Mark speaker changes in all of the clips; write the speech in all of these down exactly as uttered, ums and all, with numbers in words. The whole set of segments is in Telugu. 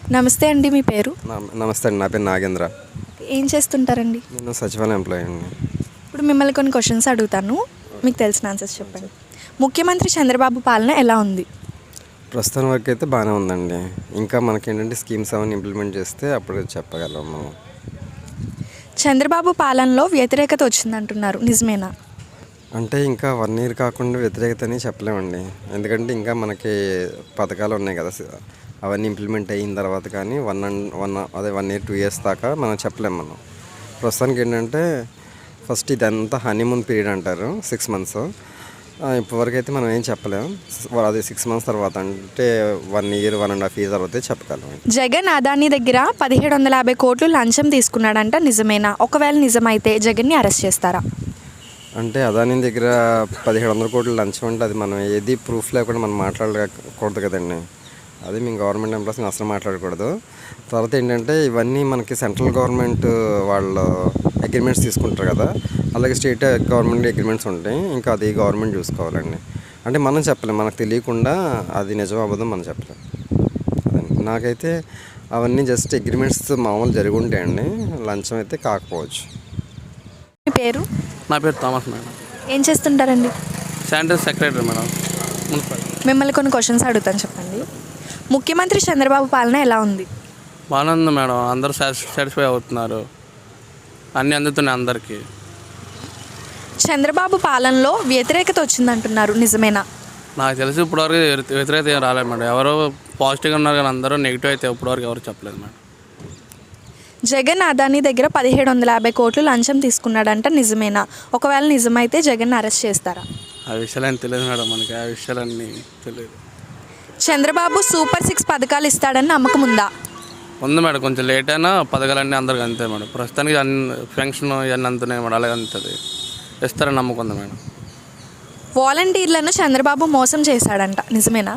Speaker 1: నమస్తే అండి, మీ పేరు?
Speaker 2: నమ- నమస్తే అండి, నా పేరు నాగేంద్ర.
Speaker 1: ఏం చేస్తుంటారండి?
Speaker 2: నేను సచివాలయం ఎంప్లాయీ అండి.
Speaker 1: ఇప్పుడు మిమ్మల్ని కొన్ని క్వశ్చన్స్ అడుగుతాను, మీకు తెలిసిన ఆన్సర్స్ చెప్పండి. ముఖ్యమంత్రి చంద్రబాబు పాలన ఎలా ఉంది?
Speaker 2: ప్రస్తుతం వరకు అయితే బాగానే ఉందండి. ఇంకా మనకేంటంటే స్కీమ్స్ అవన్నీ ఇంప్లిమెంట్ చేస్తే అప్పుడు చెప్పగలం మనం.
Speaker 1: చంద్రబాబు పాలనలో వ్యతిరేకత వచ్చిందంటున్నారు, నిజమేనా?
Speaker 2: అంటే ఇంకా వన్ ఇయర్ కాకుండా వ్యతిరేకత అని చెప్పలేమండి. ఎందుకంటే ఇంకా మనకి పథకాలు ఉన్నాయి కదా, అవన్నీ ఇంప్లిమెంట్ అయిన తర్వాత కానీ వన్ అండ్ వన్ అదే వన్ ఇయర్ టూ ఇయర్స్ దాకా మనం చెప్పలేము. మనం ప్రస్తుతానికి ఏంటంటే ఫస్ట్ ఇదంతా హనీమూన్ పీరియడ్ అంటారు, సిక్స్ మంత్స్. ఇప్పటివరకు అయితే మనం ఏం చెప్పలేము. అది సిక్స్ మంత్స్ తర్వాత అంటే one year one and half year తర్వాత చెప్పగలం.
Speaker 1: జగన్ అదానీ దగ్గర పదిహేడు వందల యాభై కోట్లు లంచం తీసుకున్నాడంట, నిజమేనా? ఒకవేళ నిజమైతే జగన్ని అరెస్ట్ చేస్తారా?
Speaker 2: అంటే అదానీ దగ్గర పదిహేడు వందల కోట్లు లంచం అంటే అది మనం ఏది ప్రూఫ్ లేకుండా మనం మాట్లాడకూడదు కదండి. అది మేము గవర్నమెంట్ ఎంప్లాయీస్ అసలు మాట్లాడకూడదు. తర్వాత ఏంటంటే ఇవన్నీ మనకి సెంట్రల్ గవర్నమెంట్ వాళ్ళు అగ్రిమెంట్స్ తీసుకుంటారు కదా, అలాగే స్టేట్ గవర్నమెంట్ అగ్రిమెంట్స్ ఉంటాయి. ఇంకా అది గవర్నమెంట్ చూసుకోవాలండి. అంటే మనం చెప్పలేం, మనకు తెలియకుండా అది నిజం అవ్వదు మనం చెప్పలేం. అదండి, నాకైతే అవన్నీ జస్ట్ అగ్రిమెంట్స్ మామూలు జరిగి ఉంటాయండి, లంచం అయితే కాకపోవచ్చు.
Speaker 1: మీ పేరు?
Speaker 3: నా పేరు థామస్ మేడం.
Speaker 1: ఏం చేస్తుంటారండి?
Speaker 3: Sanitary secretary madam, municipal.
Speaker 1: మిమ్మల్ని కొన్ని క్వశ్చన్స్ అడుగుతాను, చెప్పండి. ముఖ్యమంత్రి చంద్రబాబు పాలన ఎలా ఉంది?
Speaker 3: బాగానే ఉంది మేడం, అందరూ సాటిస్ఫై అవుతున్నారు, అన్నీ అందుతున్నాయి అందరికీ.
Speaker 1: చంద్రబాబు పాలనలో వ్యతిరేకత వచ్చిందంటున్నారు, నిజమేనా?
Speaker 3: నాకు తెలిసి ఇప్పటివరకు వ్యతిరేకత ఏం రాలేదు మేడం. ఎవరో పాజిటివ్గా ఉన్నారు కానీ అందరూ నెగిటివ్ అయితే ఇప్పటివరకు ఎవరు చెప్పలేదు మేడం.
Speaker 1: జగన్ అదానీ దగ్గర పదిహేడు వందల యాభై కోట్లు లంచం తీసుకున్నాడంట, నిజమేనా? ఒకవేళ నిజమైతే జగన్ అరెస్ట్ చేస్తారా?
Speaker 3: ఆ విషయాలన్నీ తెలియదు మేడం, మనకి ఆ విషయాలన్నీ తెలియదు.
Speaker 1: చంద్రబాబు సూపర్ సిక్స్ పథకాలు ఇస్తాడని నమ్మకం ఉందా?
Speaker 3: ఉంది మేడం, కొంచెం లేట్ అయినా పథకాలన్నీ అందరికి అంతే మేడం. ప్రస్తుతానికి అన్ని ఫంక్షన్ ఇవన్నీ అంతున్నాయి మేడం, అలాగే అంతుంది, ఇస్తారని నమ్మకం ఉంది మేడం.
Speaker 1: వాలంటీర్లను చంద్రబాబు మోసం చేశాడంట, నిజమేనా?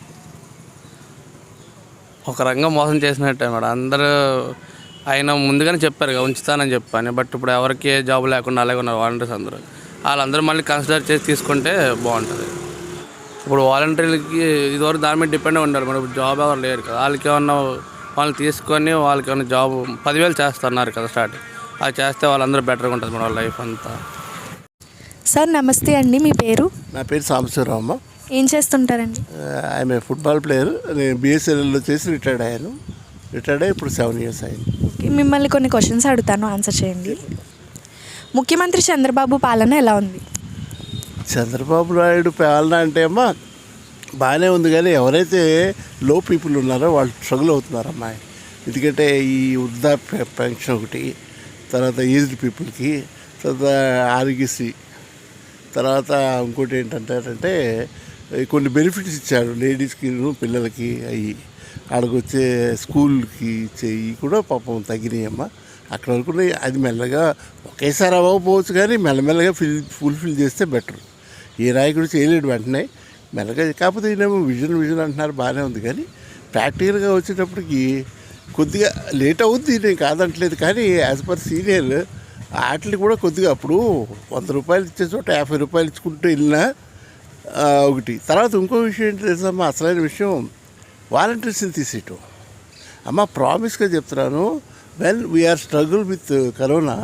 Speaker 3: ఒక రంగం మోసం చేసినట్టే మేడం. అందరూ ఆయన ముందుగానే చెప్పారు కదా ఉంచుతానని చెప్పాను, బట్ ఇప్పుడు ఎవరికి ఏ జాబ్ లేకుండా అలాగే ఉన్నారు వాలంటీర్స్ అందరూ. వాళ్ళందరూ మళ్ళీ కన్సిడర్ చేసి తీసుకుంటే బాగుంటుంది. ఇప్పుడు వాలంటీర్లకి ఇదివరకు దాని మీద డిపెండ్ ఉండాలి మేడం. ఇప్పుడు జాబ్ ఎవరు లేరు కదా, వాళ్ళకి ఏమన్నా వాళ్ళని తీసుకొని వాళ్ళకి ఏమన్నా జాబ్ పదివేలు చేస్తున్నారు కదా స్టార్ట్, అది చేస్తే వాళ్ళందరూ బెటర్గా ఉంటుంది మేడం వాళ్ళ లైఫ్ అంతా.
Speaker 1: సార్ నమస్తే అండి, మీ పేరు?
Speaker 4: నా పేరు సాంబశివరామ్మ.
Speaker 1: ఏం చేస్తుంటారండి?
Speaker 4: ఆమె ఫుట్బాల్ ప్లేయర్. నేను బిఎస్ఎన్ఎల్లో చేసి రిటైర్డ్ అయ్యాను. రిటైర్డ్ అయ్యి ఇప్పుడు సెవెన్ ఇయర్స్ అయింది.
Speaker 1: ఓకే, మిమ్మల్ని కొన్ని క్వశ్చన్స్ అడుగుతాను, ఆన్సర్ చేయండి. ముఖ్యమంత్రి చంద్రబాబు పాలన ఎలా ఉంది?
Speaker 4: చంద్రబాబు నాయుడు పాలన అంటే అమ్మా బాగానే ఉంది, కానీ ఎవరైతే లో పీపుల్ ఉన్నారో వాళ్ళు స్ట్రగుల్ అవుతున్నారు అమ్మాయి. ఎందుకంటే ఈ వృద్ధాప్య పెన్షన్ ఒకటి, తర్వాత ఏజ్డ్ పీపుల్కి, తర్వాత ఆరోగ్యశ్రీ, తర్వాత ఇంకోటి ఏంటంటారంటే కొన్ని బెనిఫిట్స్ ఇచ్చాడు లేడీస్కి, పిల్లలకి, అవి ఆడకొచ్చే స్కూల్కి ఇచ్చేవి కూడా పాపం తగ్గినాయమ్మా. అక్కడ వరకు అది మెల్లగా ఒకేసారి అవ్వకపోవచ్చు, కానీ మెల్లమెల్లగా ఫిల్ ఫుల్ఫిల్ చేస్తే బెటర్. ఏ నాయకుడు చేయలేడు వెంటనే, మెల్లగా. కాకపోతే ఈయనేమో విజన్ విజన్ అంటున్నారు, బాగానే ఉంది, కానీ ప్రాక్టికల్గా వచ్చేటప్పటికి కొద్దిగా లేట్ అవుద్ది, నేను కాదంటలేదు. కానీ యాజ్ పర్ సీనియర్ వాటిని కూడా కొద్దిగా అప్పుడు వంద రూపాయలు ఇచ్చే చోట యాభై రూపాయలు ఇచ్చుకుంటూ వెళ్ళినా ఒకటి. తర్వాత ఇంకో విషయం ఏంటి తెలుసమ్మా, అసలైన విషయం వాలంటీర్స్ని తీసేయటం. అమ్మ ప్రామిస్గా చెప్తున్నాను, when we are struggle with corona,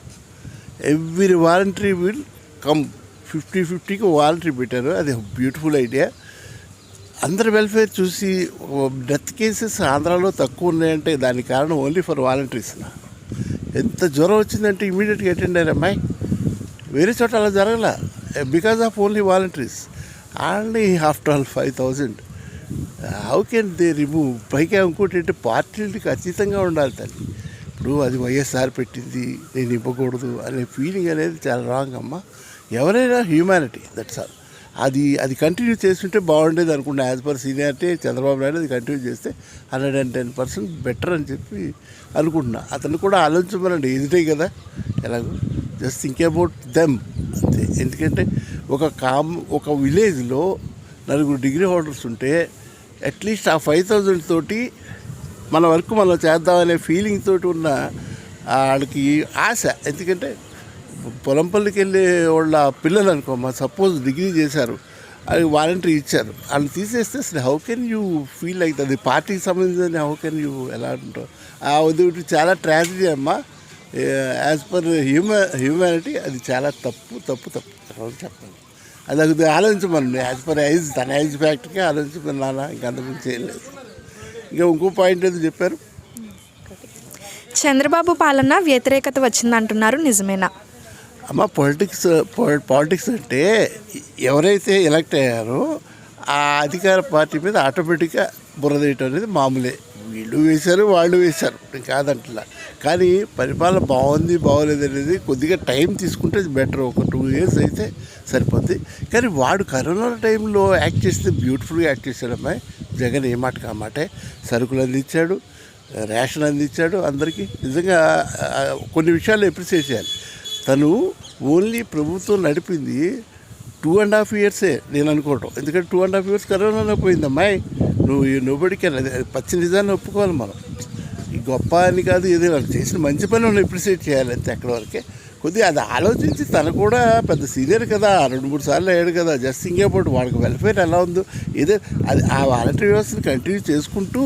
Speaker 4: every voluntary will come. Fifty ఫిఫ్టీకి వాలంటరీ పెట్టారు, అది బ్యూటిఫుల్ ఐడియా. అందరి వెల్ఫేర్ చూసి డెత్ కేసెస్ ఆంధ్రాలో తక్కువ ఉన్నాయంటే దానికి కారణం ఓన్లీ ఫర్ వాలంటీర్స్. ఎంత జ్వరం వచ్చిందంటే ఇమీడియట్గా అటెండ్ అయ్యారు అమ్మాయి. వేరే చోట అలా జరగల, because of only volunteers. Only after all five thousand how can they remove? పైగా ఇంకోటి అంటే పార్టీలకి అతీతంగా ఉండాలి తల్లి. ఇప్పుడు అది వైఎస్ఆర్ పెట్టింది, నేను ఇవ్వకూడదు అనే ఫీలింగ్ అనేది చాలా రాంగ్ అమ్మ. ఎవరైనా హ్యూమానిటీ, దట్స్ ఆల్. అది అది కంటిన్యూ చేస్తుంటే బాగుండేది అనుకుంటా. As per seniority Chandrababu Naidu అది కంటిన్యూ చేస్తే hundred and ten percent better అని చెప్పి అనుకుంటున్నా. అతను కూడా ఆలోచించమనండి, ఎదుటే కదా, ఎలాగో జస్ట్ థింక్ అబౌట్ దెమ్ అంతే. ఎందుకంటే ఒక కామ్ ఒక విలేజ్లో నలుగురు డిగ్రీ హోల్డర్స్ ఉంటే అట్లీస్ట్ ఆ ఫైవ్ థౌజండ్ తోటి మన వర్క్ మనం చేద్దామనే ఫీలింగ్ తోటి ఉన్న వాళ్ళకి ఆశ. ఎందుకంటే పొలం పల్లికి వెళ్ళే వాళ్ళ పిల్లలు అనుకోమ్మా, సపోజ్ డిగ్రీ చేశారు, అది వాలంటరీ ఇచ్చారు. వాళ్ళు తీసేస్తే అసలు how can you feel like అది పార్టీకి సంబంధించిన హౌ కెన్ యూ ఎలా ఉంటావు? ఆ ఉదయం చాలా ట్రాజడీ అమ్మా. యాజ్ పర్ హ్యూమా హ్యూమానిటీ అది చాలా తప్పు తప్పు తప్పు చెప్పండి. అది అది ఆలోచించమని యాజ్ పర్ ఐజ్ తన ఐజ్ ఫ్యాక్టరీకి ఆలోచించమని నాన్న, ఇంకా అంతకుమించి చేయలేదు. ఇంకా ఇంకో పాయింట్ ఏదో చెప్పారు.
Speaker 1: చంద్రబాబు పాలన వ్యతిరేకత వచ్చిందంటున్నారు, నిజమేనా?
Speaker 4: అమ్మ పొలిటిక్స్ పాలిటిక్స్ అంటే ఎవరైతే ఎలక్ట్ అయ్యారో ఆ అధికార పార్టీ మీద ఆటోమేటిక్గా బురదేయటం అనేది మామూలే. వీళ్ళు వేశారు, వాళ్ళు వేశారు, నేను కాదంటలా. కానీ పరిపాలన బాగుంది బాగోలేదు అనేది కొద్దిగా టైం తీసుకుంటే బెటర్. ఒక టూ ఇయర్స్ అయితే సరిపోద్ది. కానీ వాడు కరోనా టైంలో యాక్ట్ చేస్తే బ్యూటిఫుల్గా యాక్ట్ చేశాడు అమ్మాయి. జగన్ ఏ మాట కామాటే సరుకులు అందించాడు, రేషన్ అందించాడు అందరికీ. నిజంగా కొన్ని విషయాలు అప్రిషియేట్ చేయాలి. తను ఓన్లీ ప్రభుత్వం నడిపింది టూ అండ్ హాఫ్ ఇయర్సే నేను అనుకోవటం. ఎందుకంటే టూ అండ్ హాఫ్ ఇయర్స్ కరోనాలో పోయింది అమ్మాయి. నువ్వు నోబడికి పచ్చి నిజాన్ని ఒప్పుకోవాలి మనం. ఈ గొప్ప అని కాదు, ఏదైనా చేసిన మంచి పని మనం అప్రిషియేట్ చేయాలి అంతే. అక్కడ వరకే కొద్దిగా అది ఆలోచించి తను కూడా పెద్ద సీనియర్ కదా, రెండు మూడు సార్లు అయ్యాడు కదా, జస్ట్ ఇంకే పోటీ వాడికి వెల్ఫేర్ ఎలా ఉందో ఏదో అది ఆ వాలంటరీ వ్యవస్థను కంటిన్యూ చేసుకుంటూ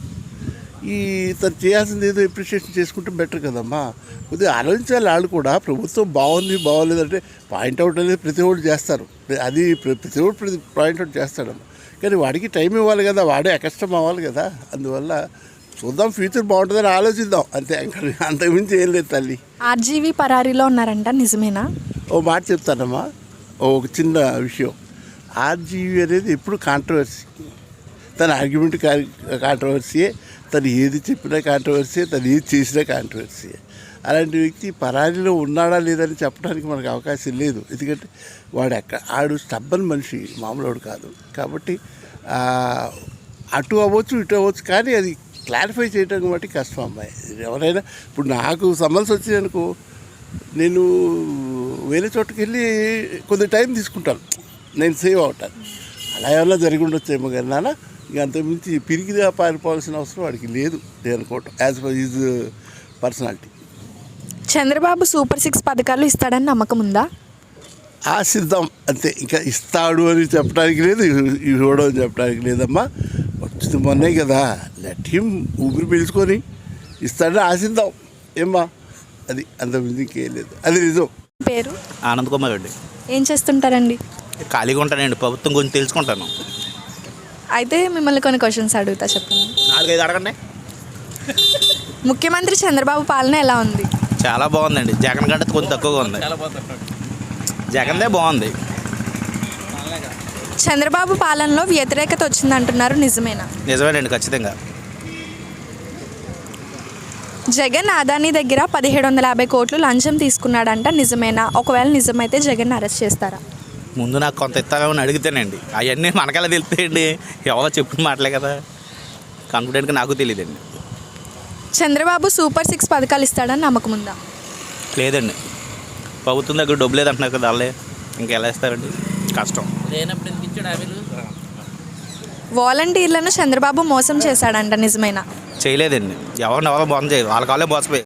Speaker 4: ఈ తను చేయాల్సింది ఏదో అప్రిషియేషన్ చేసుకుంటే బెటర్ కదమ్మా. కొద్దిగా ఆలోచించాలి వాళ్ళు కూడా. ప్రభుత్వం బాగుంది బాగోలేదంటే పాయింట్అవుట్ అనేది ప్రతి ఒక్కరు చేస్తారు, అది ప్రతి ఒక్కరు ప్రతి పాయింట్అవుట్ చేస్తాడమ్మా. కానీ వాడికి టైం ఇవ్వాలి కదా, వాడే అకష్టం అవ్వాలి కదా. అందువల్ల చూద్దాం, ఫ్యూచర్ బాగుంటుందని ఆలోచిద్దాం అంతే. అంతకుమించి ఏం లేదు తల్లి.
Speaker 1: ఆర్జీవీ పరారీలో ఉన్నారంట, నిజమేనా?
Speaker 4: ఓ మాట చెప్తానమ్మా, ఒక చిన్న విషయం. ఆర్జీవీ అనేది ఎప్పుడు కాంట్రవర్సీ. తన ఆర్గ్యుమెంట్ కాంట్రవర్సీయే, తను ఏది చెప్పినా కాంట్రవర్సీయే, తను ఏది చేసినా కాంట్రవర్సీయే. అలాంటి వ్యక్తి పరారీలో ఉన్నాడా లేదని చెప్పడానికి మనకు అవకాశం లేదు. ఎందుకంటే వాడు ఎక్కడ ఆడు స్టబ్బన్ మనిషి, మామూలు కాదు. కాబట్టి అటు అవ్వచ్చు ఇటు అవ్వచ్చు, కానీ అది క్లారిఫై చేయడానికి బట్టి కష్టం అమ్మాయి. ఎవరైనా ఇప్పుడు నాకు సమస్య వచ్చిందనుకో, నేను వేరే చోటుకి వెళ్ళి కొద్ది టైం తీసుకుంటాను, నేను సేవ్ అవుతాను. అలా ఏమన్నా జరిగి ఉండొచ్చేమో కానీ నాన్న, ఇక అంతకుమించి పిరిగిగా పారిపోవాల్సిన అవసరం వాడికి లేదు నేను అనుకోవటం, as per his personality.
Speaker 1: Chandrababu super six పథకాలు ఇస్తాడని నమ్మకం ఉందా?
Speaker 4: ఆశిద్దాం అంతే, ఇంకా ఇస్తాడు అని చెప్పడానికి లేదు, ఇవ్వడం అని చెప్పడానికి లేదమ్మా. వచ్చింది మొన్నే కదా, లెట్ హిమ్ ఊపిరి పీల్చుకొని ఇస్తాడని ఆశిద్దాం ఏమ్మా. అది అంతకుమించి ఇంకేం లేదు, అది నిజం.
Speaker 1: పేరు
Speaker 5: ఆనంద్ కుమార్ రెడ్డి.
Speaker 1: ఏం చేస్తుంటారండి?
Speaker 5: ఖాళీగా ఉంటానండి, ప్రభుత్వం గురించి తెలుసుకుంటాను.
Speaker 1: అయితే మిమ్మల్ని కొన్ని క్వశ్చన్స్ అడుగుతా, చెప్పండి.
Speaker 5: నాలుగైదు అడగండి.
Speaker 1: ముఖ్యమంత్రి చంద్రబాబు పాలన ఎలా ఉంది?
Speaker 5: చాలా బాగుందండి, జగన్ కంటే కొంచెం తక్కువగా ఉంది. జగన్దే బాగుంది.
Speaker 1: చంద్రబాబు పాలనలో వ్యతిరేకత వచ్చిందంటున్నారు, నిజమేనా?
Speaker 5: నిజమేనండి, ఖచ్చితంగా.
Speaker 1: జగన్ అదానీ దగ్గర పదిహేడు వందల యాభై కోట్లు లంచం తీసుకున్నాడంట, నిజమేనా? ఒకవేళ నిజమైతే జగన్ అరెస్ట్ చేస్తారా?
Speaker 5: ముందు నాకు కొంత ఇస్తామని అడిగితేనండి, అవన్నీ మనకెలా తెలుస్తాయండి, ఎవరో చెప్పిన మాటలే కదా, కాన్ఫిడెంట్గా నాకు తెలియదండి.
Speaker 1: చంద్రబాబు సూపర్ సిక్స్ పథకాలు ఇస్తాడని నమ్మకం ఉందా?
Speaker 5: లేదండి, ప్రభుత్వం దగ్గర డబ్బు లేదంటున్నారు కదా వాళ్ళే, ఇంకెలా ఇస్తారండి, కష్టం.
Speaker 1: వాలంటీర్లను చంద్రబాబు మోసం చేశాడంట, నిజమేనా?
Speaker 5: చేయలేదండి, ఎవరిని ఎవరో మోసం చేయదు, వాళ్ళ కాళ్ళే మోసపోయి